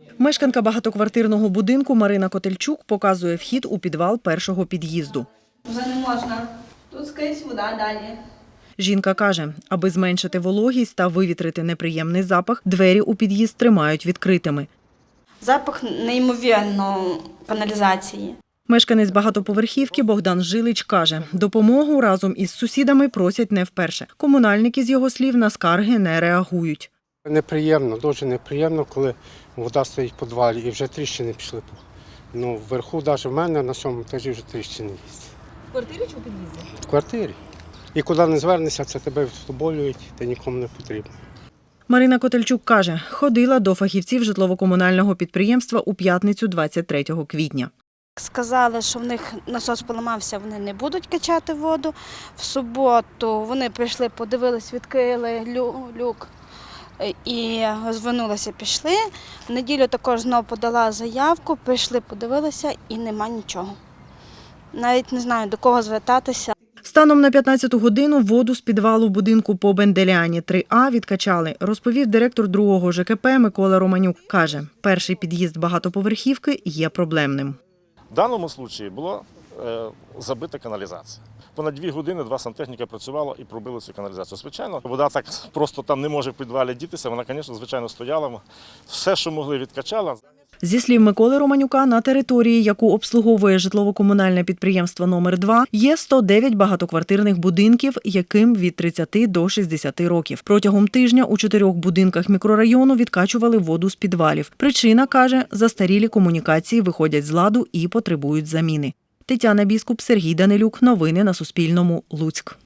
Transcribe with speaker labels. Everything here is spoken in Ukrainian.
Speaker 1: Мешканка багатоквартирного будинку Марина Котельчук показує вхід у підвал першого під'їзду.
Speaker 2: Вже не можна. Тут скрізь вода далі.
Speaker 1: Жінка каже, аби зменшити вологість та вивітрити неприємний запах, двері у під'їзд тримають відкритими.
Speaker 2: Запах неймовірно каналізації.
Speaker 1: Мешканець багатоповерхівки Богдан Жилич каже, допомогу разом із сусідами просять не вперше. Комунальники, з його слів, на скарги не реагують.
Speaker 3: Неприємно, дуже неприємно, коли вода стоїть в підвалі і вже тріщини пішли. Вверху, навіть в мене на 7-му етажі вже тріщини є.
Speaker 1: В квартирі чи у під'їзді?
Speaker 3: В квартирі. І куди не звернешся, це тебе втоболюють, ти нікому не потрібно.
Speaker 1: Марина Котельчук каже, ходила до фахівців житлово-комунального підприємства у п'ятницю 23 квітня.
Speaker 2: Сказали, що в них насос поламався, вони не будуть качати воду. В суботу вони прийшли, подивились, відкрили люк і звернулися, пішли. В неділю також знову подала заявку, прийшли, подивилися і нема нічого. Навіть не знаю, до кого звертатися.
Speaker 1: Станом на 15-ту годину воду з підвалу будинку по Бенделяні 3А відкачали, розповів директор другого ЖКП Микола Романюк. Каже, перший під'їзд багатоповерхівки є проблемним.
Speaker 4: В даному випадку була забита каналізація. Понад 2 години 2 сантехніка працювало і пробили цю каналізацію. Звичайно, вода так просто там не може в підвалі дітися, вона, звичайно, стояла. Все, що могли, відкачала.
Speaker 1: Зі слів Миколи Романюка, на території, яку обслуговує житлово-комунальне підприємство номер 2, є 109 багатоквартирних будинків, яким від 30 до 60 років. Протягом тижня у 4 будинках мікрорайону відкачували воду з підвалів. Причина, каже, застарілі комунікації виходять з ладу і потребують заміни. Тетяна Біскуп, Сергій Данилюк. Новини на Суспільному. Луцьк.